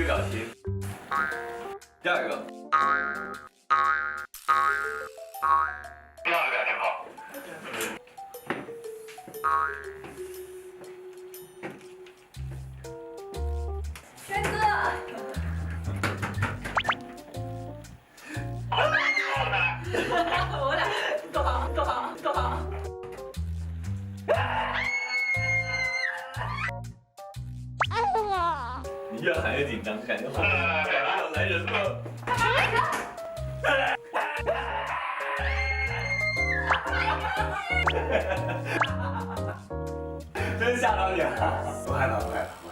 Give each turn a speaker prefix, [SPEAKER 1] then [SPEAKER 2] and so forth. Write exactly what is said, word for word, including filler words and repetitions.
[SPEAKER 1] 表情。第二个。第二个表情好。
[SPEAKER 2] 轩哥。我俩躲躲躲。
[SPEAKER 1] 你越喊越紧张，感觉后面感觉要来人了。真吓到你了！
[SPEAKER 3] 不害怕，不害怕。